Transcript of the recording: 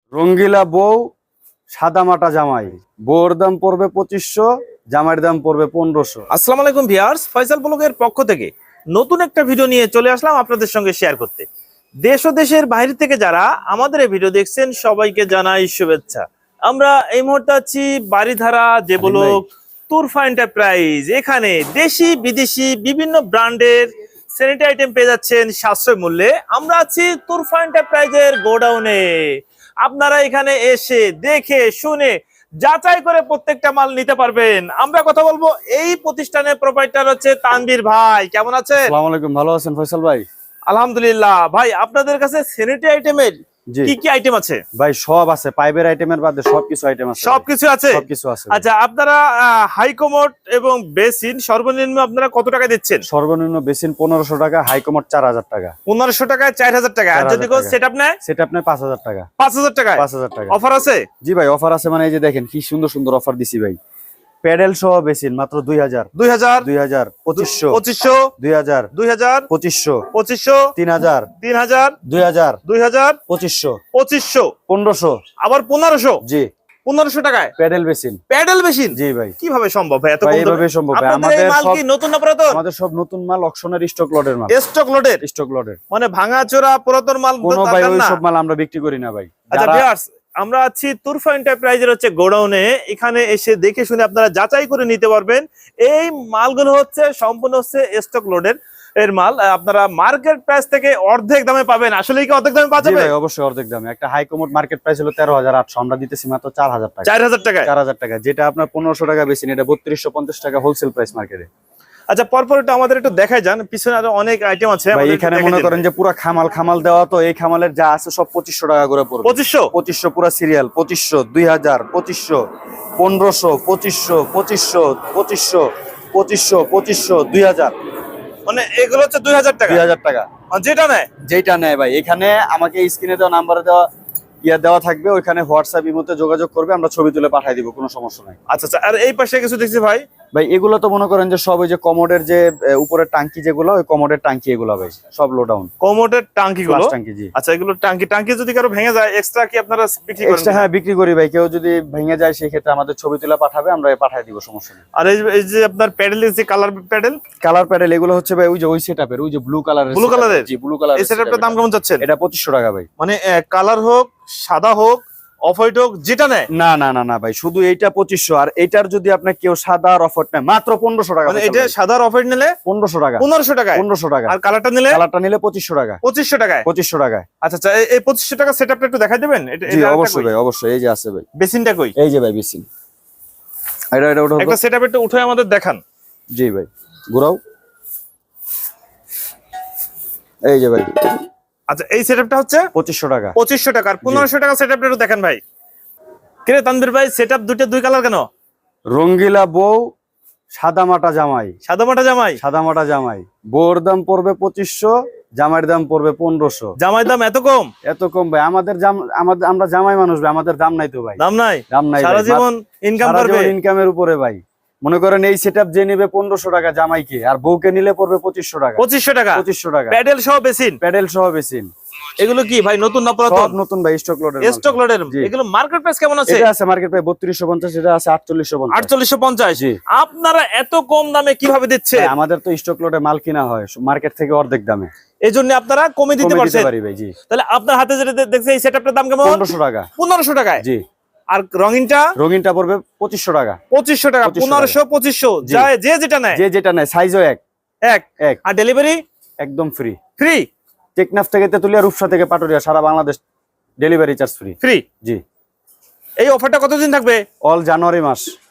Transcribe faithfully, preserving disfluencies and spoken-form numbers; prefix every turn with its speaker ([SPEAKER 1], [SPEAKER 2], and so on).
[SPEAKER 1] রঙ্গিলা বউ সাদা মাটা জামাই, বউর দাম পড়বে পঁচিশশো, জামাইয়ের দাম পড়বে পনেরোশো।
[SPEAKER 2] আসসালামু আলাইকুম ভিউয়ার্স, ফয়সাল ব্লগের পক্ষ থেকে নতুন একটা ভিডিও নিয়ে চলে আসলাম আপনাদের সঙ্গে শেয়ার করতে। দেশ ও দেশের বাইরে থেকে যারা আমাদের এই ভিডিও দেখছেন সবাইকে জানাই শুভেচ্ছা। আমরা এই মুহূর্তে আছি বাড়িধারা যে ব্লক তুরফা এন্টারপ্রাইজ। এখানে দেশি বিদেশি বিভিন্ন ব্র্যান্ডের স্যানিটারি আইটেম পেয়ে যাচ্ছেন সাশ্রয় মূল্যে। আমরা আছি তুরফা এন্টারপ্রাইজের গোডাউনে। আপনারা এখানে এসে দেখে শুনে যাচাই করে প্রত্যেকটা মাল নিতে পারবেন। আমরা কথা বলবো এই প্রতিষ্ঠানের প্রোপাইটার হচ্ছে তানভীর ভাই। কেমন আছেন?
[SPEAKER 1] আসসালামু আলাইকুম, ভালো আছেন ফয়সাল ভাই?
[SPEAKER 2] আলহামদুলিল্লাহ। ভাই আপনাদের কাছে স্যানিটারি আইটেমের কি কি আইটেম আছে?
[SPEAKER 1] ভাই সব আছে, পাইপের আইটেমের বাদে সবকিছু আইটেম আছে।
[SPEAKER 2] সবকিছু আছে?
[SPEAKER 1] সবকিছু আছে।
[SPEAKER 2] আচ্ছা, আপনারা হাই কমোড এবং বেসিন সর্বনিম্ন আপনারা কত টাকা দিচ্ছেন?
[SPEAKER 1] সর্বনিম্ন বেসিন পনেরোশো টাকা, হাই কমোড চার হাজার টাকা।
[SPEAKER 2] পনেরোশো টাকায় চার হাজার টাকা। আর যদি কেউ সেটআপ নেয়?
[SPEAKER 1] সেটআপ নেয় পাঁচ হাজার টাকা।
[SPEAKER 2] পাঁচ হাজার টাকায়?
[SPEAKER 1] পাঁচ হাজার টাকা।
[SPEAKER 2] অফার আছে?
[SPEAKER 1] জি ভাই, অফার আছে। মানে এই যে দেখেন কি সুন্দর সুন্দর অফার দিছি ভাই। প্যাডেল সহ বেসিন মাত্র দুই হাজার।
[SPEAKER 2] দুই হাজার,
[SPEAKER 1] দুই হাজার, পঁচিশশো,
[SPEAKER 2] পঁচিশশো,
[SPEAKER 1] দুই হাজার,
[SPEAKER 2] দুই হাজার,
[SPEAKER 1] পঁচিশশো,
[SPEAKER 2] পঁচিশশো,
[SPEAKER 1] তিন হাজার,
[SPEAKER 2] তিন হাজার,
[SPEAKER 1] দুই হাজার,
[SPEAKER 2] দুই হাজার,
[SPEAKER 1] পঁচিশশো,
[SPEAKER 2] পঁচিশশো,
[SPEAKER 1] পনেরোশো,
[SPEAKER 2] আবার পনেরোশো।
[SPEAKER 1] জি,
[SPEAKER 2] পনেরোশো টাকায়
[SPEAKER 1] প্যাডেল বেসিন।
[SPEAKER 2] Pedal machine?
[SPEAKER 1] জি ভাই।
[SPEAKER 2] কিভাবে সম্ভব ভাই এত
[SPEAKER 1] ভাই
[SPEAKER 2] কম দামে?
[SPEAKER 1] এইভাবে সম্ভব ভাই।
[SPEAKER 2] আপনাদের এই
[SPEAKER 1] আমাদের
[SPEAKER 2] মাল
[SPEAKER 1] সব
[SPEAKER 2] কি নতুন না পুরাতন?
[SPEAKER 1] আমাদের সব নতুন মাল, অকশনের স্টক লটের মাল।
[SPEAKER 2] স্টক লোডের?
[SPEAKER 1] স্টক লটের।
[SPEAKER 2] মানে ভাঙাচোরা পুরাতন মাল
[SPEAKER 1] কোনো ভাই
[SPEAKER 2] দরকার
[SPEAKER 1] ওই
[SPEAKER 2] না?
[SPEAKER 1] সব মাল আমরা বিক্রি করি না ভাই।
[SPEAKER 2] আচ্ছা
[SPEAKER 1] যারা-
[SPEAKER 2] ভিউয়ার্স, আমরা আছি তুরফা এন্টারপ্রাইজের হচ্ছে গোডাউনে। এখানে এসে দেখে শুনে আপনারা যাচাই করে নিতে পারবেন। এই মালগুলো হচ্ছে সম্পূর্ণ হচ্ছে স্টক লোডের এর মাল। আপনারা মার্কেট প্রাইস থেকে অর্ধেক দামে পাবেন। আসলে কি অর্ধেক দামে পাওয়া
[SPEAKER 1] জি
[SPEAKER 2] যাবে?
[SPEAKER 1] ভাই, অবশ্যই অর্ধেক দামে। একটা হাই কমোড মার্কেট প্রাইস হলো তেরো হাজার আটশো, আমরা দিতেছি মাত্র চার হাজার টাকা।
[SPEAKER 2] চার হাজার টাকায়?
[SPEAKER 1] চার হাজার টাকা, যেটা আপনার পনেরোশো টাকা বেসিন, এটা বত্রিশশো পঞ্চাশ টাকা হোলসেল প্রাইস মার্কেটে।
[SPEAKER 2] আচ্ছা, পরপর একটু আমাদের একটু দেখাই যান, পিছনে আরো অনেক আইটেম আছে।
[SPEAKER 1] ভাই
[SPEAKER 2] আমাদের একটু
[SPEAKER 1] এখানে
[SPEAKER 2] দেখাই
[SPEAKER 1] মনে
[SPEAKER 2] দেন।
[SPEAKER 1] করেন যে পুরো খামাল খামাল দেওয়া, তো এই খামালের যা আছে সব পঁচিশশো টাকা করে পড়বে।
[SPEAKER 2] পঁচিশশো?
[SPEAKER 1] পঁচিশশো পুরো সিরিয়াল। পঁচিশশো, দুই হাজার, পঁচিশশো, পনেরোশো, পঁচিশশো, পঁচিশশো, পঁচিশশো, পঁচিশশো, পঁচিশশো, দুই হাজার।
[SPEAKER 2] মানে এগুলো হচ্ছে দুই হাজার টাকা?
[SPEAKER 1] দুই হাজার টাকা
[SPEAKER 2] আর যেটা নেয়?
[SPEAKER 1] যেটা নেয় ভাই। এখানে আমাকে স্ক্রিনে দেওয়া নাম্বারে দেওয়া ইয়া দেওয়া থাকবে, ওইখানে হোয়াটসঅ্যাপ ইমোতে যোগাযোগ করবে, আমরা ছবি তুলে পাঠিয়ে দিব, কোনো সমস্যা নাই।
[SPEAKER 2] আচ্ছা আচ্ছা। আর এই পাশে কিছু দেখছি ভাই।
[SPEAKER 1] ভাই এগুলো তো মনে করেন যে সব ওই যে কমোডের যে এ, উপরের টাঙ্কি যেগুলো, ওই কমোডের টাঙ্কি এগুলো ভাই সব লো ডাউন
[SPEAKER 2] কোমোডের টাঙ্কি গুলো?
[SPEAKER 1] টাঙ্কি। জি।
[SPEAKER 2] আচ্ছা, এগুলো টাঙ্কি টাঙ্কি যদি কারো ভেঙে যায় এক্সট্রা কি আপনারা বিক্রি করেন?
[SPEAKER 1] এক্সট্রা হ্যাঁ বিক্রি করি ভাই। কেউ যদি ভেঙে যায় সেই ক্ষেত্রে আমাদের ছবি তুলে পাঠাবে, আমরা পাঠিয়ে দিব, সমস্যা নেই।
[SPEAKER 2] আর এই এই যে আপনার প্যাডেলের যে কালার প্যাডেল?
[SPEAKER 1] কালার প্যাডেল এগুলো হচ্ছে ভাই ওই যে ওই সেটআপের, ওই যে ব্লু কালারের।
[SPEAKER 2] ব্লু কালারের?
[SPEAKER 1] জি, ব্লু কালার।
[SPEAKER 2] এই সেটআপটার দাম কেমন যাচ্ছে?
[SPEAKER 1] এটা পঁচিশশো টাকা ভাই।
[SPEAKER 2] মানে কালার হোক, সাদা হোক, অফ হোয়াইট হোক, যেটা নেয়?
[SPEAKER 1] না না না না ভাই, শুধু এইটা পঁচিশশো, আর এইটার যদি আপনার কেউ সাদা আর অফার নেয় মাত্র পনেরোশো টাকা।
[SPEAKER 2] মানে এটা সাদা আর অফ হোয়াইট নিলে
[SPEAKER 1] পনেরোশো টাকা।
[SPEAKER 2] পনেরোশো টাকায়?
[SPEAKER 1] পনেরোশো টাকা।
[SPEAKER 2] আর কালারটা নিলে?
[SPEAKER 1] কালারটা নিলে পঁচিশশো টাকা।
[SPEAKER 2] পঁচিশশো টাকায়?
[SPEAKER 1] পঁচিশশো টাকায়।
[SPEAKER 2] আচ্ছা আচ্ছা। এই পঁচিশশো টাকা সেটআপটা একটু দেখাই দেবেন? এটা
[SPEAKER 1] জি অবশ্যই ভাই, অবশ্যই। এই যে আছে ভাই,
[SPEAKER 2] বেসিনটা কই?
[SPEAKER 1] এই যে ভাই বেসিন। এটা এটা ওটা
[SPEAKER 2] একটা সেটআপ একটু উঠে আমাদের দেখান।
[SPEAKER 1] জি ভাই, ঘুরাও। এই যে ভাই।
[SPEAKER 2] আচ্ছা, এই সেটআপটা হচ্ছে
[SPEAKER 1] পঁচিশশো টাকা।
[SPEAKER 2] পঁচিশশো টাকা। আর পনেরোশো টাকা সেটআপটা একটু দেখেন ভাই। কিরে তানভীর ভাই, সেটআপ দুটো দুই কালার কেন?
[SPEAKER 1] রঙ্গিলা বউ সাদা মাটা জামাই।
[SPEAKER 2] সাদা মাটা জামাই?
[SPEAKER 1] সাদা মাটা জামাই, বউর দাম পড়বে পঁচিশশো, জামাইয়ের দাম পড়বে পনেরোশো।
[SPEAKER 2] জামাই দাম এত কম?
[SPEAKER 1] এত কম ভাই? আমাদের জাম আমাদের আমরা জামাই মানুষ ভাই, আমাদের দাম নাই তো ভাই।
[SPEAKER 2] দাম নাই?
[SPEAKER 1] দাম নাই
[SPEAKER 2] সারা জীবন ইনকাম করবে?
[SPEAKER 1] ইনকামের উপরে ভাই। মনে করেন এই সেটআপ যে নেবে পনেরোশো টাকা জামাইকে, আর বউকে নিলে পড়বে পঁচিশশো টাকা।
[SPEAKER 2] পঁচিশশো টাকা?
[SPEAKER 1] পঁচিশশো টাকা।
[SPEAKER 2] প্যাডেল সহ বেসিন?
[SPEAKER 1] প্যাডেল সহ বেসিন।
[SPEAKER 2] এগুলো কি ভাই নতুন না
[SPEAKER 1] সব
[SPEAKER 2] পুরাতন?
[SPEAKER 1] নতুন ভাই, স্টক লটের।
[SPEAKER 2] স্টক লোডের?
[SPEAKER 1] জি।
[SPEAKER 2] এগুলো মার্কেট প্রাইস কেমন আছে?
[SPEAKER 1] এটা আছে মার্কেট প্রাইস বত্রিশশো পঞ্চাশ, এটা আছে আটচল্লিশশো পঞ্চাশ।
[SPEAKER 2] আটচল্লিশশো পঞ্চাশ?
[SPEAKER 1] জি।
[SPEAKER 2] আপনারা এত কম দামে কিভাবে দিচ্ছে?
[SPEAKER 1] ভাই, আমাদের তো স্টক লটে মাল কিনা হয় মার্কেট থেকে অর্ধেক দামে,
[SPEAKER 2] এই জন্য আপনারা কমে দিতে
[SPEAKER 1] কমে
[SPEAKER 2] পারছেন?
[SPEAKER 1] পারি ভাই। জি।
[SPEAKER 2] তাহলে আপনার হাতে যেটা দেখছি এই সেটআপটার দাম কেমন?
[SPEAKER 1] পনেরোশো টাকা।
[SPEAKER 2] পনেরোশো টাকায়?
[SPEAKER 1] জি।
[SPEAKER 2] আর রঙিনটা?
[SPEAKER 1] রঙিনটা পড়বে পঁচিশশো টাকা।
[SPEAKER 2] পঁচিশশো টাকা।
[SPEAKER 1] পঁচিশশো
[SPEAKER 2] পনেরোশো, পঁচিশশো,
[SPEAKER 1] জি।
[SPEAKER 2] যায় যে যেটা নেয়?
[SPEAKER 1] যে যেটা নেয়, সাইজও এক
[SPEAKER 2] এক
[SPEAKER 1] এক।
[SPEAKER 2] আর ডেলিভারি
[SPEAKER 1] একদম ফ্রি।
[SPEAKER 2] ফ্রি?
[SPEAKER 1] টেকনাফ থেকে তেতুলিয়া, রূপসা থেকে পাটুরিয়া, সারা Bangladesh delivery charge free.
[SPEAKER 2] Free?
[SPEAKER 1] জি।
[SPEAKER 2] এই অফারটা কতদিন থাকবে?
[SPEAKER 1] অল জানুয়ারি মাস।